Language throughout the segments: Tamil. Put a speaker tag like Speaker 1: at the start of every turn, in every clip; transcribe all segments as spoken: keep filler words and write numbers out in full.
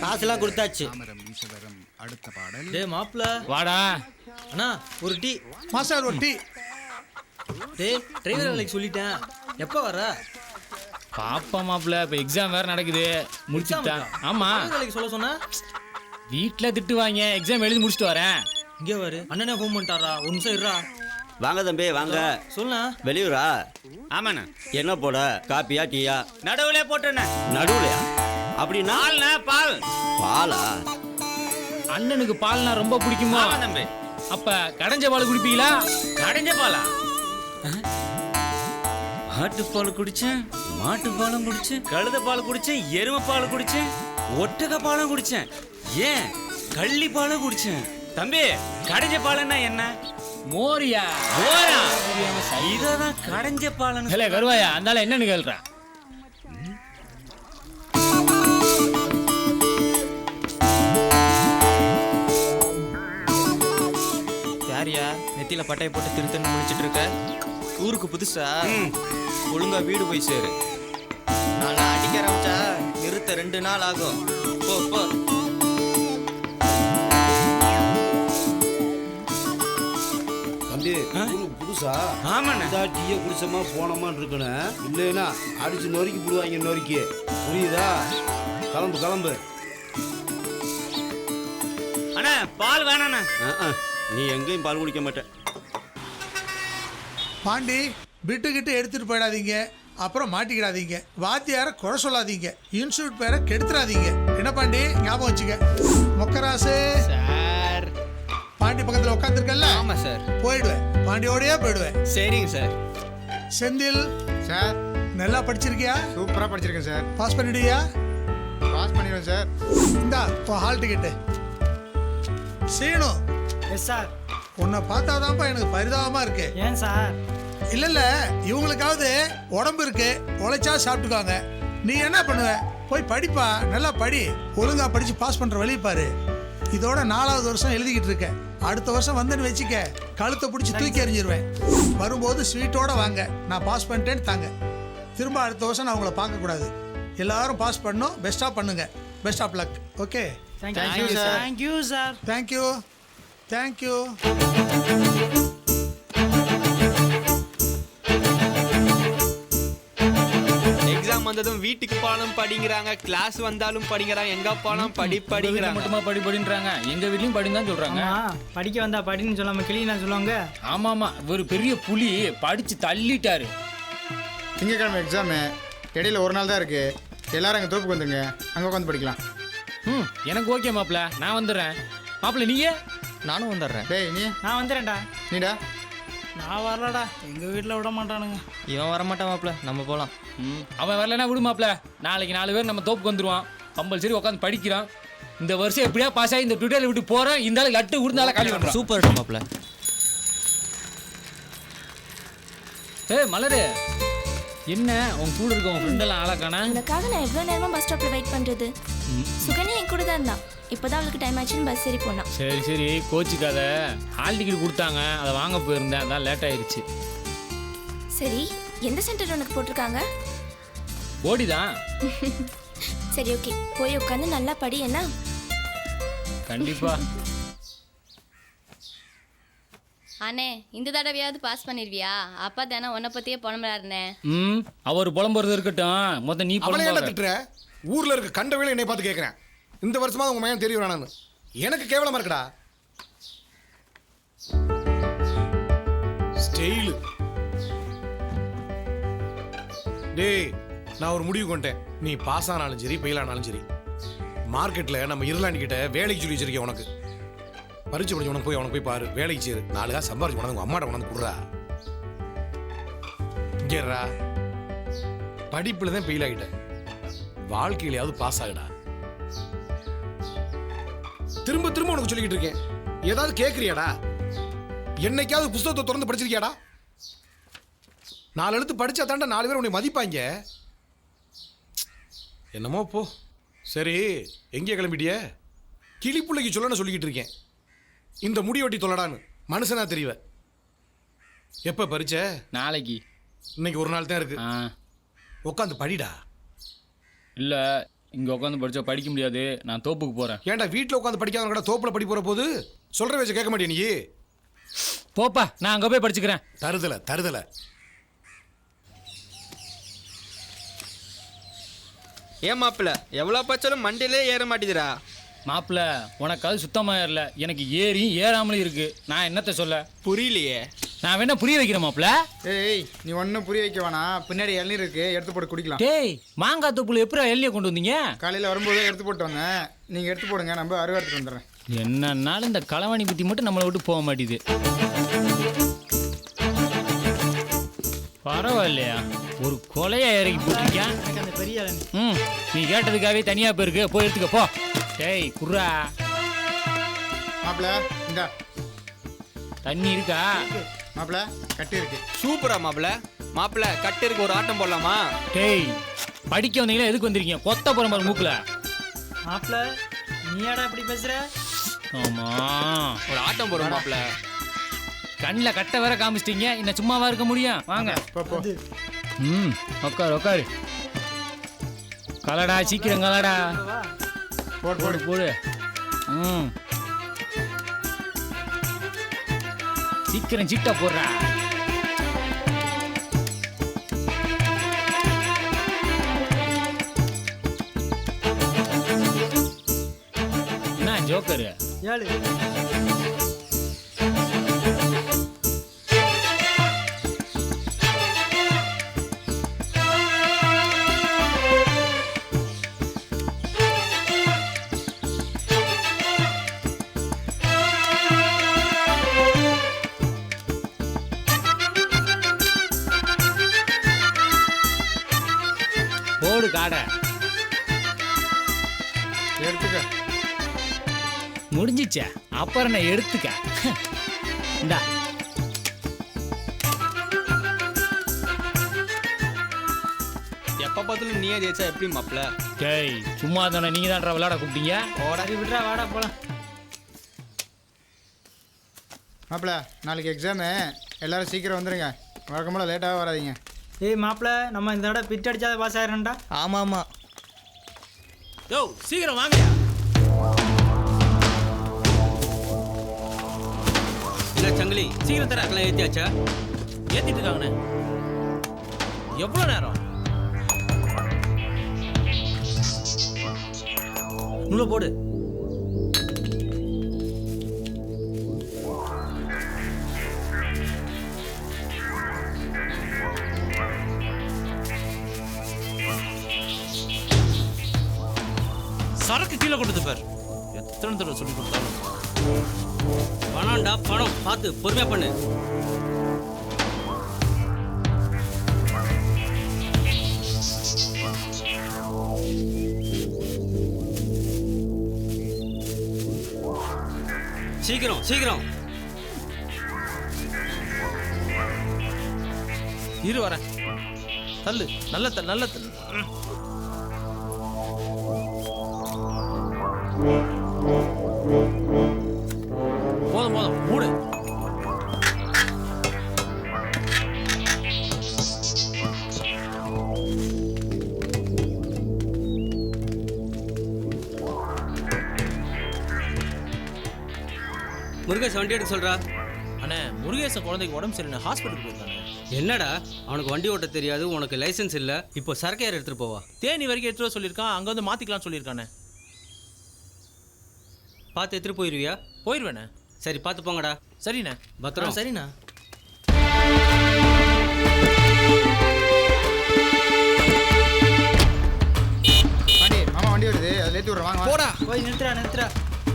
Speaker 1: காசுலாம் கொடுத்தாச்சு.
Speaker 2: அடுத்த பாடல்.
Speaker 3: டேய் மாப்ள
Speaker 4: வாடா.
Speaker 3: அண்ணா ஒரு டீ.
Speaker 5: மாஸ்டர் ஒரு டீ.
Speaker 3: டேய் டிரைவர் வேலைக்கு சொல்லிட்டேன், எப்போ வர?
Speaker 4: பாப்பா மாப்ள, இப்போ எக்ஸாம் வேற நடக்குது, முடிச்சுட்டேன். ஆமா,
Speaker 3: வேலைக்கு சொல்ல சொன்னா
Speaker 4: வீட்டுல திட்டுவாங்க, எக்ஸாம் எழுதி முடிச்சுட்டு வரேன்.
Speaker 3: இங்கே வரு. அண்ணனே ஃபோன் பண்ணிட்டாரா? ஒரு நிமிஷம் இருடா.
Speaker 1: வாங்க தம்பி வாங்க.
Speaker 3: சொல்ல
Speaker 1: வெளியூரா?
Speaker 4: ஆமாண்ணா.
Speaker 1: என்ன போட, காப்பியா டீயா?
Speaker 4: நடுவுல போட்டேண்ணே.
Speaker 1: நடுவுலையா? அப்படின்னா
Speaker 4: பால்ண்ணா, பால்.
Speaker 1: பாலா?
Speaker 4: அண்ணனுக்கு பால்னா ரொம்ப பிடிக்குமா தம்பி? அப்ப கடைஞ்ச பால் குடிப்பீங்களா? கடைஞ்ச பாலா?
Speaker 6: ஆட்டுப்பால் குடிச்சேன், மாட்டுப்பாலும் குடிச்சேன், கழுத பால் குடிச்சேன், எருமை பால் குடிச்சேன், ஒட்டக பாலும் குடிச்சேன், ஏன் கள்ளி பாலும் குடிச்சேன். தம்பி, கடைஞ்ச பாலுன்னா என்ன?
Speaker 4: மோரியா?
Speaker 6: மோரா? இததான் கடைஞ்ச பாலன்னு.
Speaker 4: இல்ல கருவாயா, அதனால என்னன்னு கேள்றேன்.
Speaker 3: யாரியா நெத்தியில பட்டையை போட்டு திருத்தன்னு முடிச்சிட்டு இருக்க? ஊருக்கு புதுசா? ஒழுங்கா வீடு போய் சேரு. நான் அடிக்க ஆரம்பிச்சா நிறுத்த ரெண்டு நாள் ஆகும். போ போ.
Speaker 7: தம்பி, ஊருக்கு புதுசா?
Speaker 6: ஆமாண்ணே.
Speaker 7: டீயை குடிச்சமா போனோமான்னு இருக்கணும், இல்லைன்னா அடிச்சு நொறுக்கி போடுவாங்க. நொறுக்கி புரியுதா? கிளம்பு கிளம்பு.
Speaker 6: அண்ணா பால் வேணாண்ணா.
Speaker 1: நீ எங்கேயும் பால் குடிக்க மாட்டேன்.
Speaker 5: பாண்டி, பிட்டு கிட்டு எடுத்துட்டு போயிடாதீங்க, அப்புறம் மாட்டிக்கிடாதீங்க. வாத்தியார குறை சொல்லாதீங்க, இன்ஸ்டியூட் பேரை கெடுத்துறாதீங்க. என்ன பாண்டி, ஞாபகம் வச்சுக்க. மொக்கராசு
Speaker 3: சார்.
Speaker 5: பாண்டி பக்கத்தில் உட்காந்துருக்கல?
Speaker 3: ஆமா சார்.
Speaker 5: போயிடுவேன், பாண்டியோடய போயிடுவேன்.
Speaker 3: சரிங்க சார்.
Speaker 5: செந்தில்
Speaker 2: சார்,
Speaker 5: நல்லா படிச்சிருக்கியா?
Speaker 2: சூப்பரா படிச்சிருக்கேன் சார்.
Speaker 5: பாஸ் பண்ணிடுயா?
Speaker 2: பாஸ் பண்ணிடுவேன் சார்.
Speaker 5: இந்தா இப்போ hall ticket. Seenu.
Speaker 3: Yes sir.
Speaker 5: உன்னை பார்த்தாதான்ப்பா எனக்கு பரிதாபமா இருக்கு.
Speaker 3: ஏன் சார்?
Speaker 5: இல்ல இல்ல, இவங்களுக்காவது உடம்பு இருக்கு, உழைச்சா சாப்பிட்டுக்காங்க. நீ என்ன பண்ணுவ? போய் படிப்பா, நல்லா படி. ஒழுங்கா படிச்சு பாஸ் பண்ற வழி பாரு. இதோட நாலாவது வருஷம் எழுதிக்கிட்டு இருக்க. அடுத்த வருஷம் வந்துன்னு வச்சுக்க, கழுத்தை பிடிச்சி தூக்கி எறிஞ்சிருவேன். வரும்போது ஸ்வீட்டோட வாங்க, நான் பாஸ் பண்ணிட்டேன்னு தாங்க. திரும்ப அடுத்த வருஷம் நான் உங்களை பார்க்கக்கூடாது. எல்லாரும் பாஸ் பண்ணணும். பெஸ்ட்டாக பண்ணுங்க. Best of luck. Okay,
Speaker 3: thank you sir. Thank you sir.
Speaker 5: Thank you thank you.
Speaker 3: Exam வந்ததும் வீட்டுக்கு போனாலும் படிங்கிறாங்க, கிளாஸ் வந்தாலும் படிங்கிறாங்க, எங்க போனாலும் படி படிங்கிறாங்க.
Speaker 4: மட்டுமா படி படின்றாங்க, எங்க வீட்லயும் படின்னு தான் சொல்றாங்க.
Speaker 8: படிக்க வந்தா படின்னு சொல்லாம கிளினா சொல்லுவாங்க.
Speaker 4: ஆமா ஆமா, ஒரு பெரிய புலி படிச்சு தள்ளிட்டாரு.
Speaker 2: திங்கக்கிழமை எக்ஸாமு, இடையில ஒரு நாள் தான் இருக்கு. எல்லாரும் அங்கே தோப்புக்கு வந்துருங்க, அங்கே உட்காந்து படிக்கலாம்.
Speaker 4: ம், எனக்கு ஓகே மாப்பிள்ள, நான் வந்துடுறேன். மாப்பிள்ள நீங்க?
Speaker 3: நானும் வந்துடுறேன்.
Speaker 2: டேய் நீ?
Speaker 8: நான் வந்துடுறேன்டா.
Speaker 2: நீடா?
Speaker 8: நான் வரலடா, எங்க வீட்டில் விட மாட்டானுங்க.
Speaker 3: இவன் வரமாட்டான் மாப்ள, நம்ம போலாம்.
Speaker 4: ம், அவன் வரலன்னா விடு மாப்பிள்ள. நாளைக்கு நாலு பேர் நம்ம தோப்புக்கு வந்துருவான். கம்பல்சரி உட்காந்து படிக்கிறான். இந்த வருஷம் எப்படியா பாஸ் ஆகி இந்த ட்விட்டரில் விட்டு போறேன். இந்த ஆளு லட்டு விடுந்தால காலி பண்ணுறான்.
Speaker 3: சூப்பர் மாப்ள.
Speaker 4: ஏய் மலரு, என்ன உன் கூட இருக்க உன் ஃப்ரெண்டெல்லாம் ஆளாக்கானா?
Speaker 9: உனக்காக நான் எவ்வளோ நேரமா பஸ் ஸ்டாப்ல வெயிட் பண்றது. சுகன்யா என் கூட தான் இருந்தா. இப்போதான் அவளுக்கு டைம் ஆச்சுன்னு பஸ் ஏறி போனா.
Speaker 4: சரி சரி, கோச்சிக்காத. ஹால் டிக்கெட் கொடுத்தாங்க, அதை வாங்க போயிருந்தேன், அதான் லேட் ஆயிடுச்சு.
Speaker 9: சரி, எந்த சென்டர் உனக்கு போட்டிருக்காங்க?
Speaker 4: போடிதான்.
Speaker 9: சரி ஓகே, போய் உட்காந்து நல்லா படி. என்ன?
Speaker 4: கண்டிப்பா.
Speaker 10: அண்ணே, இந்த தடவையாவது பாஸ் பண்ணிருவியா? அப்பா தானே உன்னை பத்தியே புலம்புறாருண்ணே.
Speaker 4: ம், அவர் புலம்புறது இருக்கட்டும், மொத்தம் நீ
Speaker 11: அவளை என்ன
Speaker 4: புலம்புற.
Speaker 11: திட்டுற? ஊர்ல இருக்க கண்ட வேலை என்னை பார்த்து கேட்கிறேன். இந்த வருஷமா உங்க மையம் தெரிய வேணான்னு எனக்கு கேவலமா இருக்குடா. ஸ்டைலு. டேய், நான் ஒரு முடிவு கொண்டேன். நீ பாஸ் ஆனாலும் சரி, ஃபெயில் ஆனாலும் சரி, மார்க்கெட்ல நம்ம இருளாண்டி கிட்ட வேலைக்கு சொல்லி வச்சிருக்கேன். உனக்கு பரிச்சு படிச்சு உனக்கு போய் அவனுக்கு போய் பாரு, வேலைக்கு சேரு. நாலுகா சம்பாரிச்சு உனக்கு உங்க அம்மாட்ட உனக்கு கொடுறா. கேட்றா, படிப்புல தான் ஃபெயில் ஆகிட்ட, வாழ்க்கையிலையாவது பாஸ் ஆகுடா. திரும்ப திரும்ப உனக்கு சொல்லிக்கிட்டு இருக்கேன். ஏதாவது கேட்குறியாடா? என்னைக்காவது புத்தகத்தை திறந்து படிச்சிருக்கியாடா? நாலு எழுத்து படிச்சா தாண்டா நாலு பேர் உன்னை மதிப்பாங்க. என்னமோ போ. சரி, எங்கே கிளம்பிட்டிய? கிளிப்புள்ளைக்கு சொல்லணும்னு சொல்லிக்கிட்டு இருக்கேன். இந்த முடி வெட்டி தொல்லடான்னு மனுஷனா தெரியவ. எப்போ பரிச்ச?
Speaker 4: நாளைக்கு.
Speaker 11: இன்னைக்கு ஒரு நாள் தான் இருக்கு. உட்காந்து படிடா.
Speaker 4: இல்லை, இங்கே உட்காந்து படித்தா படிக்க முடியாது, நான் தோப்புக்கு போகிறேன்.
Speaker 11: ஏன்டா வீட்டில் உட்காந்து படிக்காதவங்க கூட தோப்புல படி போகிற போது சொல்கிற வச்சு கேட்க மாட்டேன் நீ.
Speaker 4: போப்பா, நான் அங்கே போய் படிச்சுக்கிறேன்.
Speaker 11: தருதலை தருதலை.
Speaker 3: ஏன் மாப்பிள்ள எவ்வளோ பச்சாலும் மண்டியிலே ஏற மாட்டேதுரா.
Speaker 4: மாப்பிள்ள, உனக்கு அது சுத்தமாக ஏறல, எனக்கு ஏறியும் ஏறாமலும் இருக்கு. நான் என்னத்தை சொல்ல?
Speaker 3: புரியலையே.
Speaker 4: நான் வேணா புரிய வைக்கிறேன் மாப்பிள்ள.
Speaker 2: ஏய் நீ ஒன்றும் புரிய வைக்க வேணாம், பின்னாடி இளநீர் இருக்கு, எடுத்து போட்டு குடிக்கலாம்.
Speaker 4: டேய், மாங்காய் தொப்புல எப்படி எல்லையை கொண்டு வந்தீங்க?
Speaker 2: காலையில் வரும்போது எடுத்து போட்டு வந்தேன், நீங்கள் எடுத்து போடுங்க, நம்ம அருவா எடுத்துட்டு வந்துடுறேன்.
Speaker 4: என்னன்னாலும் இந்த களவாணி புத்தி மட்டும் நம்மளை விட்டு போக மாட்டேது. பரவாயில்லையா, ஒரு கொலையா இறக்கி போட்டிருக்கேன்.
Speaker 8: அந்த பெரிய இளநீ.
Speaker 4: ம், நீ கேட்டதுக்காகவே தனியா போயிருக்கு, போய் எடுத்துக்க போ. டேய் குர்ரா,
Speaker 2: மாப்பிள்ள இந்தா
Speaker 4: தண்ணி இருக்கா?
Speaker 2: மாப்பிள்ள கட்டி இருக்கு.
Speaker 3: சூப்பரா மாப்பிள்ள. மாப்பிள்ள கட்டு இருக்கு, ஒரு ஆட்டம் போடலாமா?
Speaker 4: டேய், படிக்க வந்தீங்களா, எதுக்கு வந்திருக்கீங்க? கொத்த போற மாதிரி மூக்குல.
Speaker 8: மாப்பிள்ள நீயாடா இப்படி பேசுற?
Speaker 4: ஆமா,
Speaker 3: ஒரு ஆட்டம் போடுறோம் மாப்பிள்ள.
Speaker 4: கண்ணில் கட்ட வேற காமிச்சிட்டீங்க, இன்னும் சும்மாவா இருக்க முடியும்? வாங்க.
Speaker 2: போ, போ.
Speaker 4: ம், உட்காரு உட்காரு. கலடா, சீக்கிரம் கலடா.
Speaker 2: போடு போடு
Speaker 4: போடு. ம், சீக்கிரம் சீட்டா போடுறா. என்ன ஜோக்கரு?
Speaker 8: ஏழு.
Speaker 4: போடு காடை.
Speaker 2: எடுத்துக்க.
Speaker 4: முடிஞ்சிச்சா? அப்புறம் நான் எடுத்துக்க. இந்தா.
Speaker 3: எப்ப பார்த்தாலும் நீயே ஜெயிச்சா எப்படி மாப்பிள்ள?
Speaker 4: டேய், சும்மா தானே நீங்க தான் விளையாட கூப்பிட்டீங்க.
Speaker 8: சரி விட்றா, வாடா போலாம்.
Speaker 2: மாப்பிள்ள நாளைக்கு எக்ஸாமு, எல்லாரும் சீக்கிரம் வந்துடுங்க, வழக்கம்போல லேட்டாக வராதீங்க.
Speaker 8: ஏய் மாப்பிள்ள, நம்ம இந்த தடவை பிட் அடிச்சாத பாஸ் ஆயிரண்டா.
Speaker 3: ஆமா ஆமா.
Speaker 6: யோ சீக்கிரம் வாங்க.
Speaker 1: இல்லை சங்கிலி,
Speaker 6: சீக்கிரம் தர.
Speaker 1: அதெல்லாம் ஏற்றியாச்சா?
Speaker 6: ஏத்திட்டு இருக்காங்கண்ணே. எவ்வளோ நேரம்? உள்ள போடு. சரக்கு கீழே கொடுத்து பார். எத்தனை தடவை சொல்லி கொடுத்தாலும்.
Speaker 1: பணம்டா பணம், பார்த்து பொறுமையாக பண்ணு. சீக்கிரம் சீக்கிரம்.
Speaker 6: இரு வரேன். தள்ளு, நல்ல தள்ளு, நல்ல தள்ளு. போதும் போதும், மூடு.
Speaker 1: முருகேஷ் வண்டி எடுக்க சொல்கிறா.
Speaker 6: அண்ணே, முருகேசன் குழந்தைக்கு உடம்பு சரியில்லை, ஹாஸ்பிட்டலுக்கு போயிருக்கானே.
Speaker 1: என்னடா அவனுக்கு வண்டி ஓட்ட தெரியாது, உனக்கு லைசென்ஸ் இல்லை, இப்போ சரக்கு யார் எடுத்துகிட்டு போவா?
Speaker 6: தேனி வரைக்கும் எடுத்துகிட்டு வர சொல்லியிருக்கான், அங்கே வந்து மாற்றிக்கலாம்னு சொல்லியிருக்கானே.
Speaker 1: பார்த்து எடுத்துகிட்டு போயிடுவியா?
Speaker 6: போயிடுவேண்ணே.
Speaker 1: சரி பார்த்து போங்கடா.
Speaker 6: சரிண்ணே.
Speaker 1: பத்திரம்.
Speaker 6: சரிண்ணா.
Speaker 2: வண்டி மாமா வண்டி வருது, அதில் ஏற்றி விட்றேன், வாங்க
Speaker 6: போடா.
Speaker 8: போய் நிறுத்துறா நிறுத்துறா.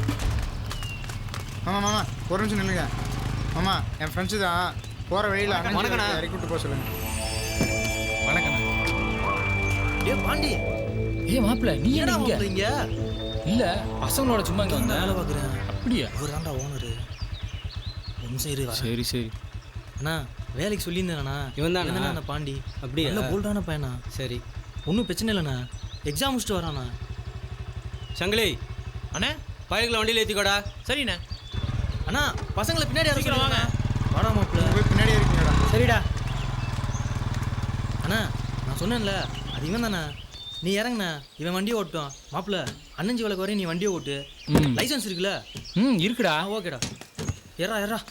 Speaker 2: மாமா மாமா ஒரு நிமிஷம் நில்லுங்க. மாமா என் ஃப்ரெண்ட்ஸு தான், போகிற வழியில்
Speaker 6: வணக்கண்ணா.
Speaker 2: இறக்கி விட்டு போக சொல்லுங்க.
Speaker 6: வணக்கண்ணா. ஏ பாண்டி,
Speaker 4: ஏய் மாப்பிள்ள, நீ என்ன இங்க?
Speaker 6: இங்க
Speaker 4: இல்ல, பசங்களோட சும்மா இங்க வந்தேன்.
Speaker 6: வேலை பார்க்குறேன்.
Speaker 4: அப்படியா?
Speaker 6: இவர் தான்டா ஓனரு. நிமிஷம் இரு வரேன்.
Speaker 4: சரி சரி.
Speaker 6: அண்ணா வேலைக்கு சொல்லியிருந்தேண்ணா.
Speaker 1: இவன் தானா?
Speaker 6: என்னண்ணா பாண்டி?
Speaker 1: அப்படியா?
Speaker 6: நல்ல போல்டான பையனா.
Speaker 1: சரி
Speaker 6: ஒன்றும் பிரச்சனை இல்லைண்ணா, எக்ஸாம் முடிச்சுட்டு வராண்ணா.
Speaker 1: சங்கிலி,
Speaker 6: அண்ணே
Speaker 1: பையர்களை வண்டியில் ஏற்றிக்கோடா.
Speaker 6: சரிண்ணே. அண்ணா பசங்களை பின்னாடி
Speaker 3: சீக்கிரம் வாங்க.
Speaker 6: வாடா மாப்பிள்ள.
Speaker 2: போய் பின்னாடி இருக்கீங்கடா.
Speaker 8: சரிடா.
Speaker 6: அண்ணா நான் சொன்னேன்ல, அது இவன் தானே.
Speaker 8: நீ இறங்குண்ணா இவன் வண்டியை ஓட்டும் மாப்பிள்ள அண்ணஞ்சி வழக்கு வரையும் நீ வண்டியை ஓட்டு
Speaker 4: ம்
Speaker 8: லைசன்ஸ் இருக்குல்ல
Speaker 4: ம் இருக்குடா
Speaker 8: ஆ ஓகேடா ஏறா ஏறா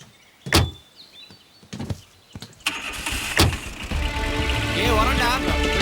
Speaker 3: ஏ வரண்டா